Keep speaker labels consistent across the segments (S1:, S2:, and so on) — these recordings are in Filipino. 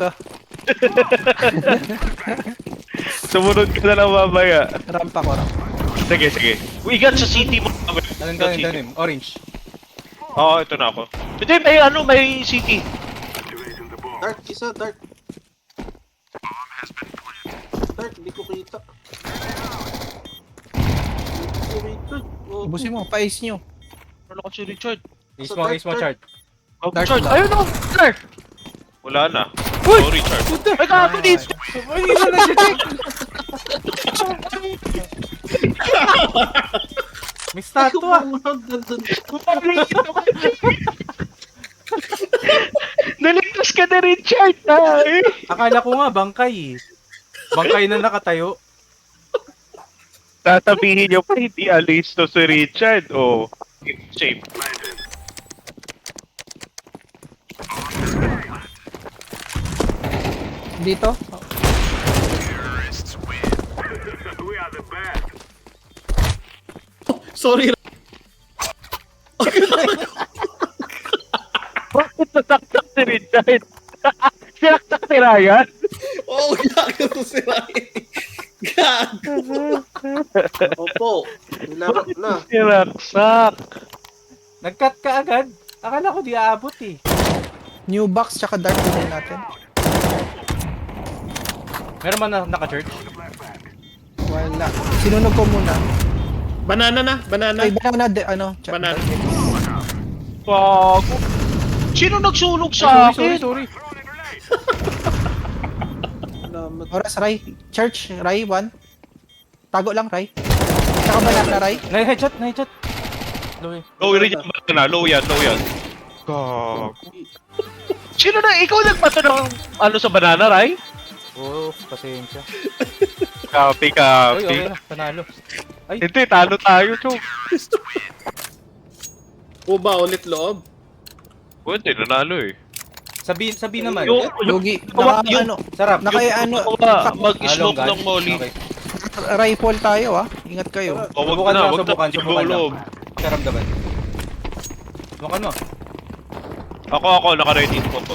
S1: ka.
S2: Sumunod ka na lang mamaya.
S1: Ramp ako, ramp.
S2: Sige, sige. Igat sa city mo.
S3: Dalim. Orange.
S2: Oo, ito na ako. Hindi, may ano, may city.
S4: Dark, isa, dark. Dark, hindi ko kita. Oh,
S1: Ubusin mo, pa-ace nyo.
S2: Ano ka si Richard?
S3: Ace mo, chart.
S2: Oh,
S1: Dark
S2: Richard,
S1: lang.
S2: ayun o! Dark! Wala na. Sorry, Richard. Ay, gago dito!
S3: Ay, isa na siya, Jack! May statue ah!
S2: Naligtas ka na, Richard! Ay!
S3: Akala ko nga, bangkay eh. Bangkay na nakatayo.
S2: Tatabihin niyo pa, hindi alis to si Richard. Oh, safe.
S1: Dito?
S4: sorry.
S2: Bakit nataktak si Richard? Sinaktak si Ryan?
S4: Oh, gago to si Ryan. Gago. Opo. Nilarap na.
S2: Sinaksak.
S3: Nag-cut ka agad. Akala ko di aabot eh.
S1: New box tsaka dark din natin.
S3: Meron man na naka-church?
S1: Wala. Sinunog ko muna.
S4: Banana na, banana.
S1: Ay, banana, ano?
S4: Banana.
S2: Bago. Sino nagsunog sa akin?
S3: Sorry.
S4: Salamat.
S1: Oras, Ray. Church, Ray, 1. Tago lang, Ray. Tsaka banana, Ray.
S3: Na-headshot. Low eh.
S2: Low rin yung banana. Low yan. Gago. Sino na? Ikaw nagpato ng ano sa banana, Ray?
S3: Oo, pasensya.
S2: Copy.
S3: Uy, okay na. Panalo. Ay,
S2: Hindi, talo tayo, Chok.
S4: O ba ulit loob?
S2: Pwede, nanalo eh.
S3: sabi naman.
S1: Lugi.
S2: Yung-
S1: Ano?
S3: Sarap.
S2: Mag-smoke
S3: Along
S2: ng molly.
S3: Okay.
S1: Rifle tayo, ah. Ingat kayo.
S2: O, wag
S3: Subukan
S2: na,
S3: lang,
S2: wag na.
S3: subukan lang.
S2: Loob.
S3: Karamdaman. Subukan mo.
S2: Ako, naka-ready po to.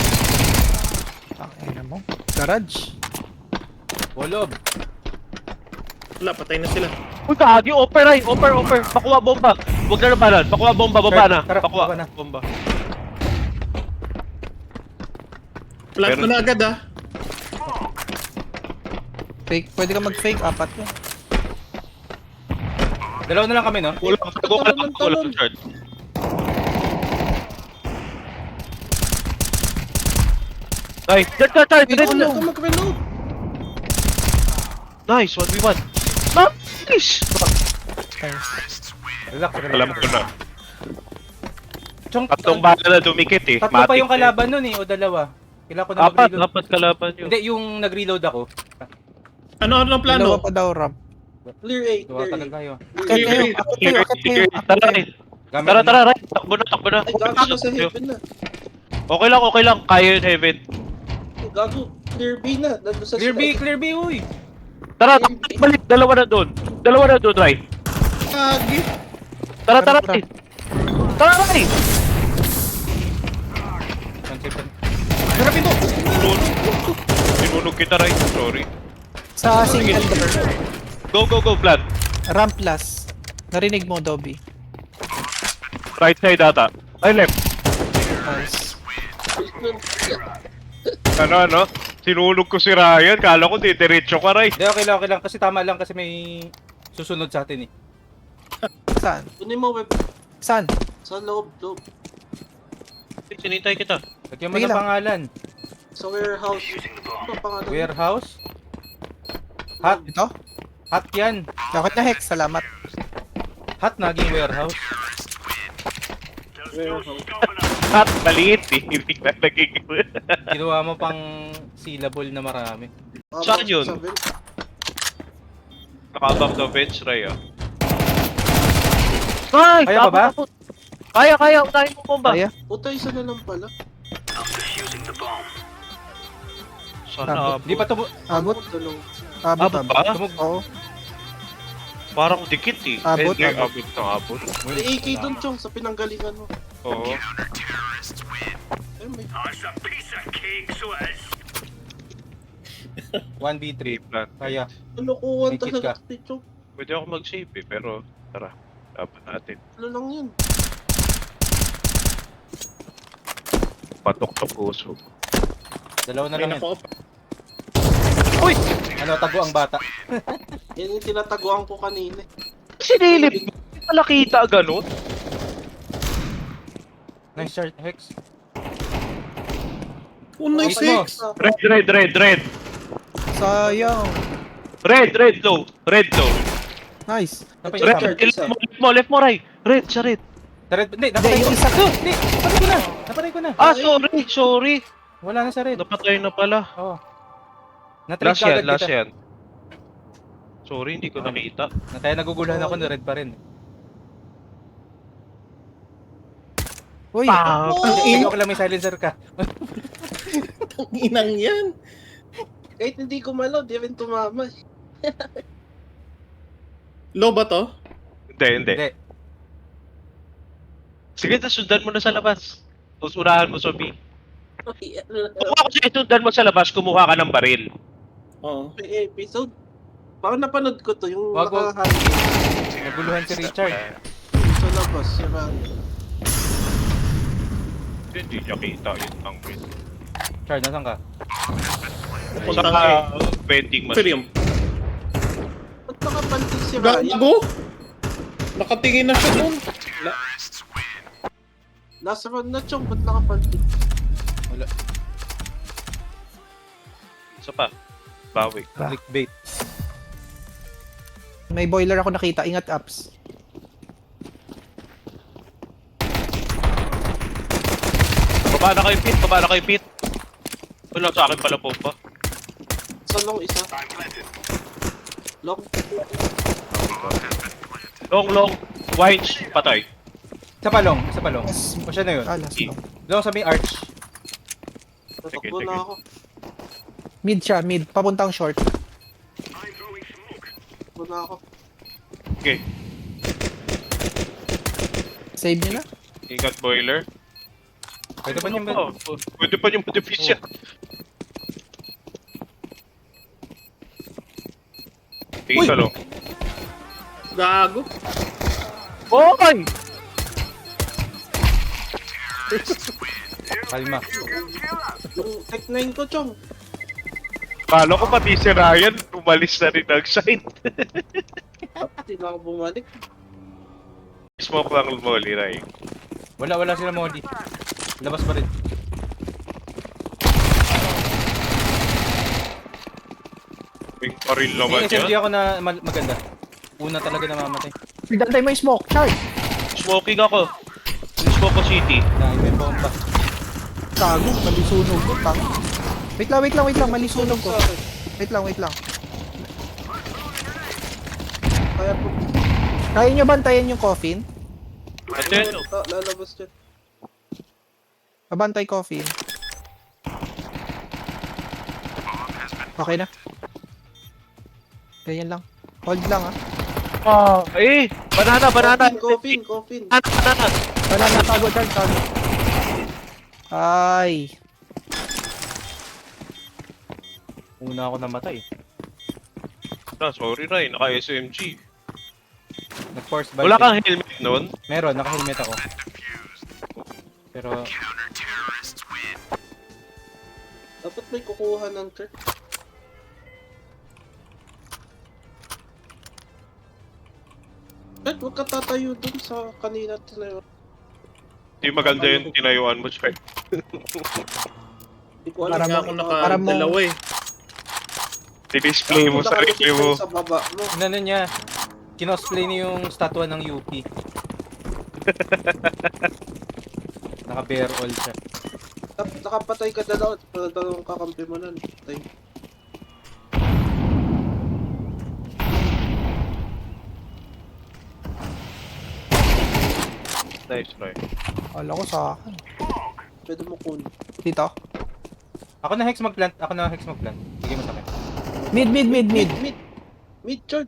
S1: Ano mo? Garage.
S3: Wolob.
S4: Wala, patay na sila.
S2: Uy, kagi, offer. Pakuha bomba. Huwag na nabalan. Pakuha bomba, baba na.
S3: Tara,
S2: Pakuha
S3: baba na.
S2: bomba.
S4: Plant mo na agad ah.
S1: Fake. Pwede ka mag-fake. 4 yun.
S3: Dalawa na lang kami, no?
S2: Kulang, tago ka lang, kulang, Richard. Ay, Richard,
S4: Ito mag-reload.
S2: Nice, 1v1. Nice!
S3: Relax.
S2: Alam ko na.
S3: Chong,
S2: Tatlong bala na dumikit eh.
S3: tatlo pa
S2: Matik
S3: yung
S2: eh.
S3: kalaban nun eh, o dalawa. Kailangan ko na mag-reload.
S2: Apat kalaban yun.
S3: Hindi, yung nag-reload ako.
S4: Ano
S1: Dalawa
S4: plano?
S1: pa daw, ramp.
S4: Clear 8,
S3: Gawa tagal tayo.
S1: Akit kayo. Akit kayo. Akit kayo.
S2: Tara, Ray.
S3: Gamit
S2: Tara, Ray. Takbo na.
S4: Ay, gago na sa heaven na.
S2: Okay lang. Kaya yun, Heaven.
S4: Ay, gago. Clear B na. Nandun sa
S3: Clear B, uy!
S2: Tara, balik. Dalawa na doon, Ray.
S4: Gagi.
S2: Tara,
S1: Tara.
S2: Ray. Tara, Ray.
S3: Harapin mo!
S2: Sinunog kita, Ray. Sorry.
S1: Sa single door.
S2: Go, plan.
S1: Ramp last. Narinig mo, Dobby.
S2: Right side ata. Ay, left.
S1: Nice.
S2: Ano? Sinunog ko si Ryan. Kala ko diretso ka, Ray.
S3: Hindi, okay lang. Kasi tama lang kasi may susunod sa atin eh.
S1: Saan?
S4: Kunin mo web.
S1: Saan?
S4: Sa loob.
S2: Sinintay kita.
S3: Lagyan mo
S1: Sige
S3: ng
S1: lang.
S3: pangalan.
S4: Sa warehouse. Ano pangalan?
S3: Warehouse. Hot.
S1: Ito?
S3: Hot yan.
S1: Bakit na Hex? Salamat.
S3: Hot naging warehouse.
S4: Warehouse.
S2: At maliit eh. Hindi na naging...
S3: Ginawa mo pang syllable na marami.
S2: Saan yun?
S4: 7.
S2: Nakabang na bench, Ray ah. Ay!
S3: Kaya pa ba?
S2: Kaya. Unahin mo bomba.
S1: Kaya?
S4: Puta, isa na lang pala.
S2: Sana
S3: Di pa tumo...
S1: Abot?
S4: Dalawang.
S1: Abot.
S2: Abot ba?
S1: Oo.
S2: Parang dikit eh.
S1: Abot,
S2: Eh,
S1: abot.
S2: abot.
S4: May AK dun, Chong, sa pinanggalingan mo.
S2: Oo.
S4: Ay, may.
S3: 1v3.
S2: Plan.
S3: Kaya.
S4: Lulukuhan
S3: May kit
S4: talaga
S3: ka.
S4: si Chong.
S2: Pwede ako mag-save eh, pero tara. Dapat natin.
S4: Ano lang yun?
S2: Patok sa puso.
S3: Dalawa na
S5: Ay,
S3: lang yan.
S5: nako.
S2: Uy!
S3: Ano, tago ang bata.
S4: Yan yung tinataguan ko kanina.
S2: Sinilip mo? Hindi pala kita ganun?
S3: Nice shot, Hex.
S5: Oh, nice
S3: Wait mo.
S5: six.
S2: Red.
S1: Sayang.
S2: Red, low. Red, low.
S1: Nice.
S3: Napay isa.
S2: Left mo, right. Red, sa red.
S3: Sa red, hindi, napatay ko.
S1: Hindi, yung isa.
S3: Hindi, napatay ko na.
S2: Ah, sorry.
S3: Wala na sa red.
S2: Napatay na pala.
S3: Oo. Na-trade
S2: Last
S3: ka agad
S2: last
S3: kita.
S2: yan. Sorry, hindi ko nakita.
S3: Kaya naguguluhan ako na red pa rin.
S1: Uy,
S3: Hindi ko lang may silencer ka.
S5: Ang inang yan.
S4: Kahit hindi ko malaw, di rin tumama.
S5: Low ba to?
S2: Hindi.
S3: Hindi.
S2: Sige, sundan mo na sa labas. Usurahan mo sa B.
S4: Okay, ano
S2: Kung ako siya sundan mo sa labas, kumuha ka ng baril.
S5: Oo.
S4: may episode? Parang napanood ko to, yung
S3: Wag, wag.
S4: nakahangin
S3: Naguluhan si Richard.
S4: sa labas. Yung
S2: Hindi niya kita yun ang win.
S3: Chard, nasan ka?
S5: Pupunta
S2: Sa
S5: kay
S2: vending machine.
S5: Film.
S4: ba't nakapantig si Ryan?
S5: Gago? Nakatingin na siya dun.
S4: Nasa round na Chong, ba't nakapantig?
S3: Wala.
S2: Isa pa. Bawi.
S3: Clickbait.
S1: may boiler ako nakita. Ingat, Ups.
S2: Baba na kayo, Pete. Wala sa akin pala po pa.
S4: Sa long isa. Long.
S2: Long. Wines. Patay.
S3: Isa pa long.
S1: Yes.
S3: O siya na yun.
S1: Alas, no.
S3: Long sa may arch.
S4: Tatakbo
S2: sige.
S4: na ako.
S1: Mid siya, mid. Papuntang short.
S4: Tatakbo na ako.
S2: Okay.
S1: Save niyo na.
S2: Ingat boiler.
S3: Pwede pa niyang
S2: Oh, pwede pa yung modifisya. Tingin ka lang.
S5: Gago.
S2: Oy!
S3: kalma.
S4: Yung Tech 9 ko Chong.
S2: Kala ko pati si Ryan, umalis na rin ang site.
S4: Hindi na ako bumalik.
S2: Smoke lang molly, Ray.
S3: Wala sila Molly. Labas pa rin.
S2: May paril
S3: May
S2: naman
S3: SMG
S2: yan.
S3: ako na maganda. Una talaga namamatay.
S1: Dantay mo yung smoke, Char.
S2: Smoking ako. Smoke ko city.
S3: Na may bomba.
S1: Tago, malisunog ko. Tang. Wait lang. Malisunog ko. Wait lang.
S4: Kaya po,
S1: Kaya nyo bantayan yung coffin?
S2: Ate,
S4: lalabas dyan.
S1: Babantay coffin. Okay na. Ganyan lang. Hold lang
S2: banana.
S4: Coffin.
S2: Banana.
S1: Wala na, tago. Ay.
S3: Una ako namatay.
S2: Sorry, Ray. Naka-SMG.
S3: Nag-force
S2: Wala kang helmet nun?
S3: Meron, naka-helmet ako. Pero
S4: Dapat may kukuha ng turret. Red, huwag ka tatayo dun sa kanina tinayo.
S2: Di maganda yung tinayuan mo, Chad.
S4: Hindi ko alam
S1: Para
S5: Kaya
S1: mo-
S5: ako
S1: para mo-
S5: nakadalawa eh.
S2: Di-display mo sa
S4: Nakalukit
S2: review mo.
S4: kayo sa baba mo.
S3: inano niya, kinosplay niya yung statua ng UP. Naka-bare all siya.
S4: Nakapatay ka dalawa. Dalawang kakampi mo nun. Patay.
S2: Nice, Ray.
S1: Wala ko sa akin.
S4: Pwede mo kunin.
S1: Dito.
S3: Ako na hex mag-plant. Sige mo sa akin.
S1: Mid.
S4: Mid, Chard.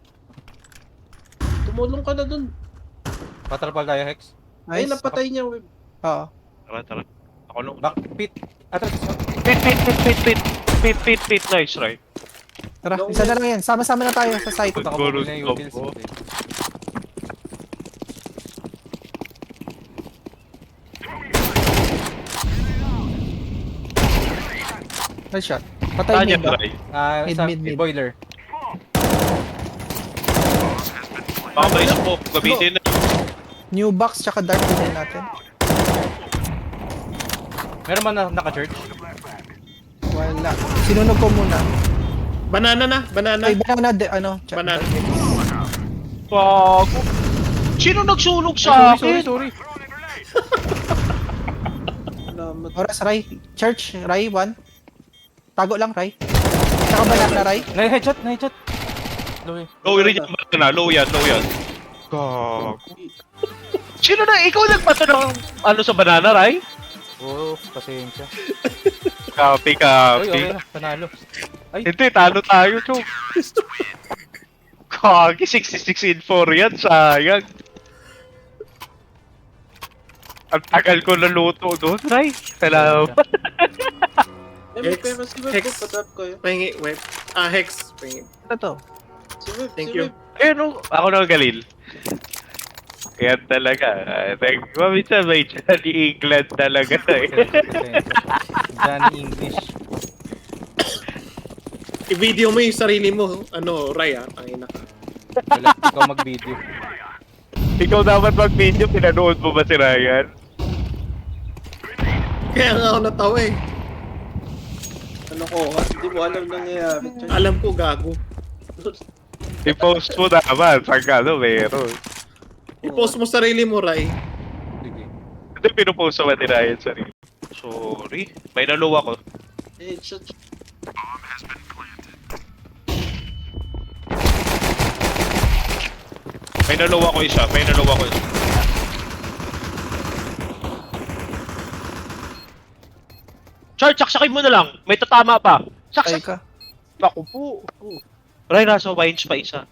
S4: Tumulong ka na dun.
S3: Patrapal tayo hex.
S4: Ay,
S1: Nice.
S4: napatay niya, Web.
S1: Oo.
S2: Tara. Ako lang.
S3: Back pit. Atras.
S2: Pit. Pit. Nice, right?
S1: Tara, isa na lang yan. Sama-sama na tayo sa site.
S3: Punta ka
S2: Siguro
S3: muna yung
S2: stop
S3: utils.
S2: mo.
S1: Nice shot.
S2: Saan
S1: Patay
S2: yan,
S1: mid ba?
S2: Ray?
S1: Mid.
S3: Boiler.
S2: Baka may smoke. Gamitin na.
S1: New box tsaka dark din natin.
S3: Meron man na naka-church?
S1: Wala. Sinunog ko muna.
S5: Banana na, banana.
S1: Ay, banana ano?
S5: Banana.
S2: Gago. Sino nagsunog sa akin?
S3: Sorry.
S4: Salamat.
S1: Oras, Ray. Church, Ray, 1. Tago lang, Ray. Tsaka banana, Ray.
S3: Na-headshot. Low.
S2: Low rin yung banana. Low yan. Gago. Sino na? Ikaw nagpato ng ano sa banana, Ray?
S3: Oh, pasensya.
S2: Copy.
S3: Uy, okay na. Panalo. Ay,
S2: Hindi, talo tayo, Chok. Kagi, 66 in 4 yan, sayang. Ang tagal ko naluto doon, Ray. Salamat.
S4: Eh, may
S5: Hex.
S4: pera si Web.
S5: Hex.
S4: Patap kayo.
S5: Pahingi, web. Hex. Pahingi.
S1: Ano to?
S4: Si Web,
S5: Thank
S4: si
S5: you.
S4: Web.
S2: Eh, no, ako na Galil. Yan talaga. Minsan may Johnny England talaga eh.
S3: Johnny English.
S5: I-video mo yung sarili mo. Ano, Raya, tangina ka.
S3: Wala, ikaw mag-video.
S2: Ikaw dapat mag-video, pinanood mo ba si Ryan?
S5: Kaya nga ako natawa eh.
S4: Ano ko, ha? Hindi mo alam nangyayari.
S5: Alam ko, gago.
S2: I-post mo naman, saan ka meron.
S5: I-post mo sarili mo, Ray.
S3: Sige.
S2: Hindi pinupost mo ba ni Ryan sarili? Sorry, may naluwa ko.
S4: Eh, shot.
S2: May naluwa ko isa. Char, saksakin mo na lang. May tatama pa.
S1: Ay
S2: Saksak.
S1: ka.
S2: Ako po. Ray, nasa wines pa isa.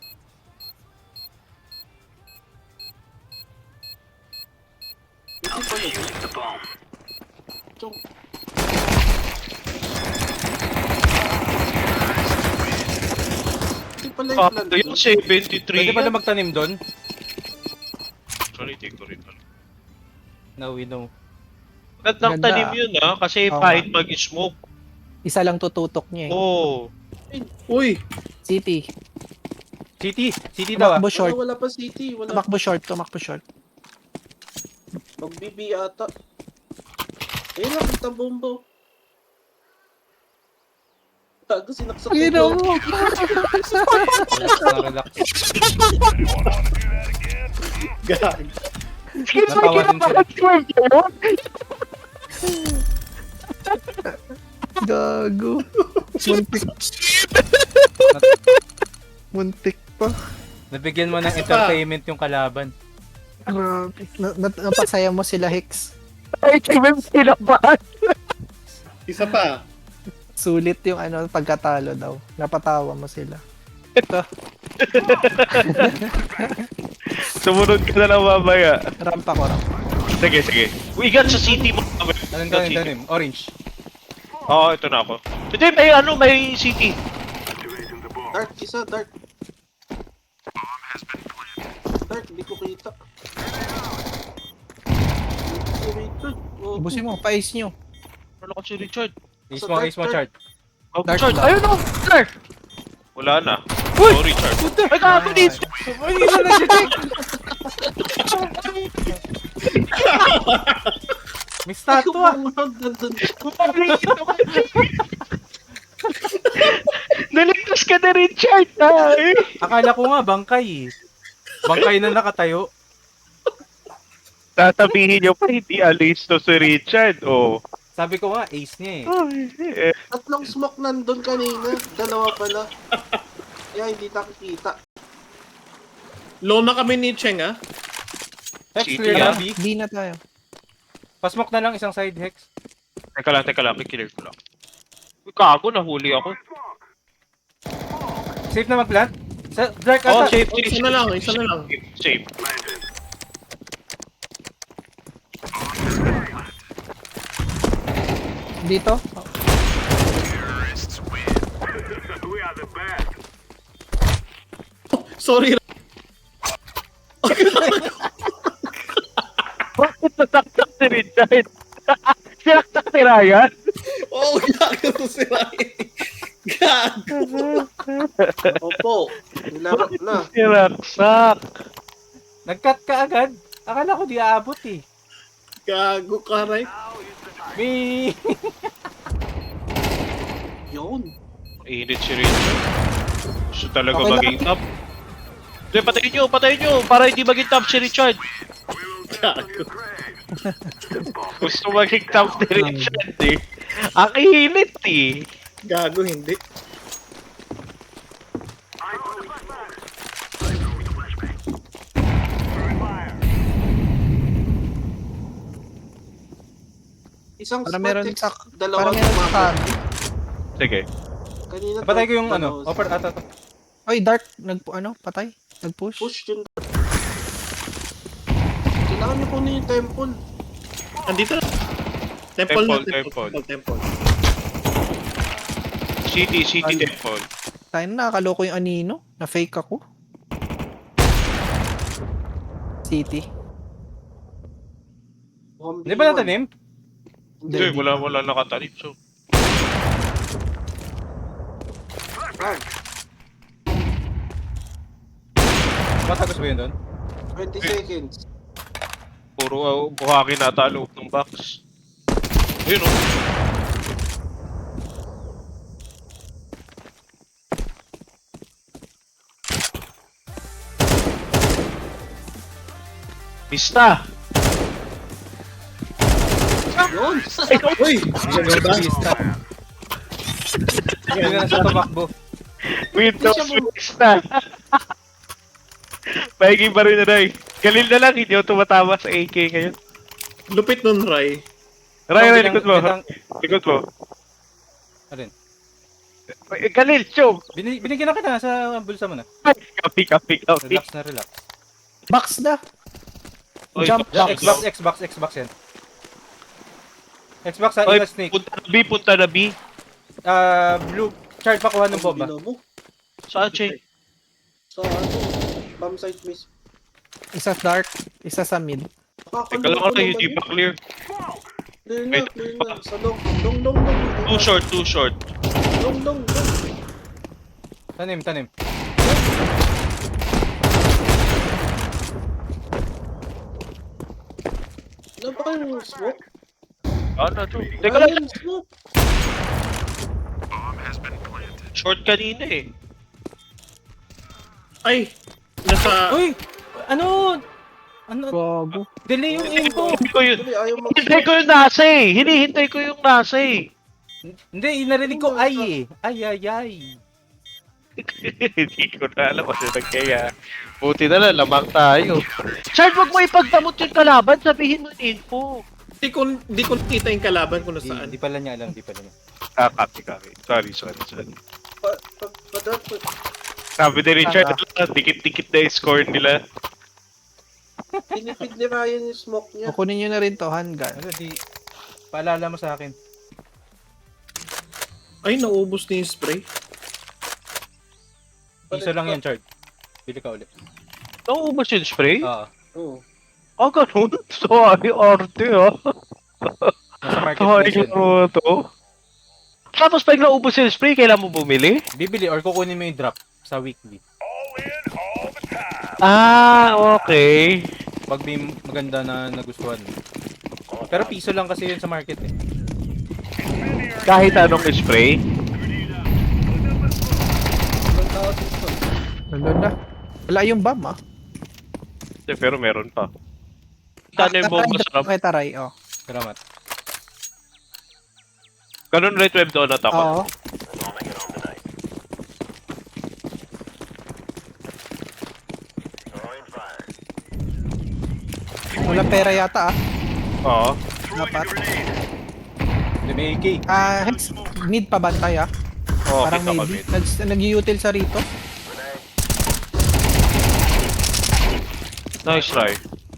S4: Hindi pala yung plan.
S2: Ito yung 73
S3: Pwede pala
S2: yan.
S3: magtanim doon?
S2: Sorry, take ko rin.
S3: Now we know.
S2: Gandang
S1: Ganda.
S2: tanim yun kasi
S1: Oo
S2: kahit mag-smoke.
S1: Isa lang tututok niya eh.
S2: Oh.
S5: Uy!
S1: City.
S3: City daw ah.
S1: Tumakbo short.
S4: Wala pa city. Wala.
S1: Tumakbo short.
S4: Mag-BB ata. Ayun lang, kita bombo. Tago, sinaksak ko.
S3: Relax.
S5: Gag.
S3: Natawa din sila.
S1: Gago. Muntik pa.
S3: Nabigyan mo ng entertainment yung kalaban.
S1: Grabe. Napasaya mo sila, Hicks.
S5: Isa pa.
S1: Sulit yung pagkatalo daw. Napatawa mo sila.
S2: Sumunod ka na lang mamaya.
S1: Rampa ko.
S2: Sige. Uigan sa city mo.
S3: Anong tanim? Orange.
S2: Oo, ito na ako. Hindi, may city.
S4: Dark, isa, dark. Dark, di ko kita.
S1: Ibusin mo, pa-ace nyo.
S2: Ano ko si Richard?
S3: Ace mo chart.
S2: Oh,
S1: Dark
S2: Richard,
S1: lang.
S2: ayun o! Dark! Wala na.
S3: Uy!
S2: Sorry, Richard.
S3: Ay, gago dito! Ay, hindi na nag-check! May statue ah!
S2: Naligtas ka na, Richard! Ay!
S3: Akala ko nga, bangkay eh. Bangkay na nakatayo.
S2: Tatabihin nyo pa, hindi alis to si Richard. Oh.
S3: Sabi ko nga, ace niya eh.
S2: Ay,
S4: Tatlong smoke nandun kanina. Dalawa pala. Kaya hindi nakikita.
S5: Low na kami ni Cheng, ah.
S3: Hex,
S2: City,
S3: clear na
S2: ah.
S3: B.
S1: Di na tayo.
S3: Pasmoke na lang isang side, Hex.
S2: Teka lang, kikiller ko lang. Uy, kago, nahuli ako.
S3: Safe na mag-plant? Sa Dark
S2: Oh,
S3: ata.
S2: safe.
S5: Isa na lang.
S2: Safe.
S1: Dito?
S5: Sorry.
S2: Bakit nataktak si Richard? Sinaktak si Ryan?
S5: Oh, gago to si Ryan. Gago.
S4: Opo. Nilaro na.
S2: Sinaktak.
S3: Nag-cut ka agad. Akala ko di aabot eh.
S5: Gago ka, Ray.
S3: May...
S4: Yun.
S2: Init si Richard. Gusto talaga
S1: Okay lang.
S2: maging top. Hindi, patayin nyo, para hindi maging top si Richard.
S5: Gago.
S2: Gusto maging top si Richard eh. Ang init eh.
S5: Gago, hindi.
S4: Isang
S1: Para
S4: spot
S1: meron
S4: X,
S1: sa...
S4: dalawa
S1: Para meron sa...
S4: gumamit.
S2: Sige.
S4: Kanina
S3: Patay ko yung
S4: dalawa.
S3: ano. Offer ata.
S1: Oy, Dark. Patay. Nag-push.
S4: Push yun. Kailangan niyo kunin yung temple.
S5: Andito na. Temple na.
S2: Temple.
S5: Temple.
S2: City
S1: Ay.
S2: Temple.
S1: Tayo na, nakaloko yung anino. Na-fake ako. City.
S3: Hindi ba natanim?
S2: Hindi, wala nakatanim. So,
S4: Run.
S3: Matagos ba yun doon?
S4: 20 seconds.
S2: puro buhangin nata loob ng box. Ayun oh. Mista!
S4: Yun!
S5: Uy! Ganda.
S3: Hindi na nasa tumakbo.
S2: Windows Mista! Paiging pa rin na rin. Galil na lang, hindi ako tumatama sa AK ngayon.
S5: Lupit nun, Ray.
S2: Ray, likod mo. Likod mo.
S3: Alin?
S2: Galil, chong!
S3: Binigyan na kita sa bulsa mo na.
S2: Copy.
S3: Relax na relax.
S1: Box na.
S2: Oy,
S1: Jump
S2: box,
S1: box.
S3: Xbox yan. Xbox ha,
S2: Oy,
S3: Ila Snake.
S2: punta na B.
S3: Blue, chart pa kuha ng bomba.
S4: Binobo.
S2: Saan, Che?
S4: Sa ano? Bomb site miss.
S1: Isa dark, isa sa mid.
S2: Teka lang ako, hindi pa clear.
S4: Clear na. Sa long. Long.
S2: Too short.
S4: Long.
S3: Tanim.
S4: Ano ba kayong smoke?
S2: Ano to? Teka lang,
S4: Ayun, smoke.
S2: short kanina eh.
S5: Ay! Nasa...
S3: Uy! Ano?
S1: Gago.
S3: Delay yung info.
S2: Hindi ko yun.
S4: Dali, ayaw mag-
S2: Hinihintay ko yung nasa eh. Hinihintay ko yung nasa eh.
S3: Hindi, narinig ko ay eh. Ay.
S2: Hindi ko na alam kasi nagkaya. Buti na lang, lamang tayo. Chard, wag mo ipagdamot yung kalaban. Sabihin mo yung info.
S5: Di ko nakita yung kalaban kung nasaan.
S3: Hindi pala niya alam.
S2: Copy. Sorry.
S4: Padrop ko.
S2: Sabi ni Richard, dikit-dikit na yung score nila.
S4: Pinipid ni Ryan yung smoke niya.
S1: Kukunin nyo na rin to, handgun.
S3: Ano, paalala mo sa akin.
S5: Ay, naubos na yung spray.
S3: Isa lang yan, chart. Bili ka ulit.
S2: Nauubos yung spray?
S3: Oo.
S4: Oo.
S2: Ah, ganun? Sorry, arte ah.
S3: Nasa
S2: Sorry
S3: marketplace yan.
S2: mo to. Tapos pag naubos yung spray, kailan mo bumili?
S3: Bibili or kukunin mo yung drop sa weekly.
S2: Ah, okay.
S3: Pag may maganda na nagustuhan. Pero piso lang kasi yun sa market eh.
S2: Kahit anong spray?
S4: Ibang tao dito.
S1: Nandun na. Wala yung bomb ah.
S2: Pero meron pa. Kano yung bomba sa
S1: Okay, taray. Oh.
S3: Salamat.
S2: Ganun right web doon at ako.
S1: Oo. Walang pera yata ah.
S2: Oo.
S1: Dapat.
S3: Hindi, may AK.
S1: Hex, mid pa bantay ah.
S2: Oo,
S1: Parang
S2: kita
S1: maybe.
S2: kami.
S1: Nag-util sa rito.
S2: Nice try.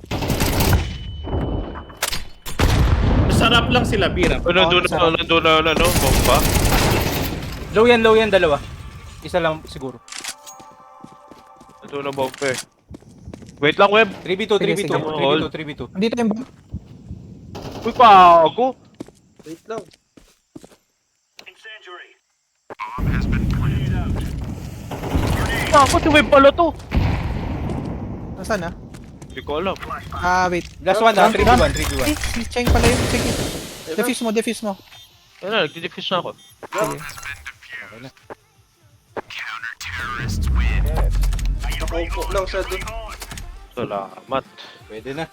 S5: Masarap lang sila, Bira.
S2: Nandun na, bomba.
S3: Low yan, dalawa. Isa lang siguro.
S2: Ito na bumper. Wait lang, Web.
S3: 3v2, 3v2,
S1: sige.
S3: 3v2, 3v2.
S1: Andito yung bomb.
S2: Uy, pago.
S4: Wait lang.
S2: Ako, si Web pala to.
S1: Nasaan na?
S2: Hindi ko alam.
S1: Wait.
S3: Last one na, 3v1, 3v1.
S1: Si Cheng pala yun. Sige. Defuse mo, defuse mo.
S2: Ano, nagdi-diffuse na ako.
S1: Sige.
S4: Nakaupo lang siya dun.
S2: Salamat.
S3: Pwede na.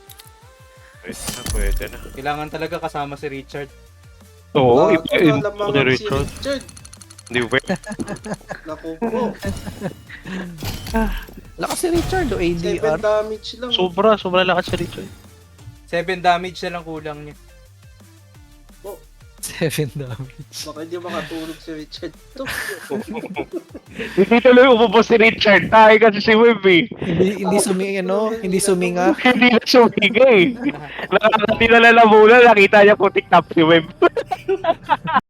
S2: Pwede na.
S3: Kailangan talaga kasama si Richard.
S2: Oo,
S4: Bago
S2: ipa-in
S4: na
S2: ko
S4: lamang
S2: ni
S4: si
S2: Richard.
S4: Richard.
S2: Hindi, Web.
S4: Nakupo.
S1: Lakas si Richard o
S4: 7
S1: ADR.
S4: damage lang.
S2: Sobra lakas si Richard.
S3: 7 damage na lang kulang niya.
S1: 7 damage.
S4: Baka hindi makatulog si Richard to.
S2: Hindi tuloy umubos si Richard. Tayo kasi si Web eh.
S1: Hindi hindi suminga.
S2: Hindi na sumiga eh. Nakakati na lalamunan, nakita niya putik tap si Web.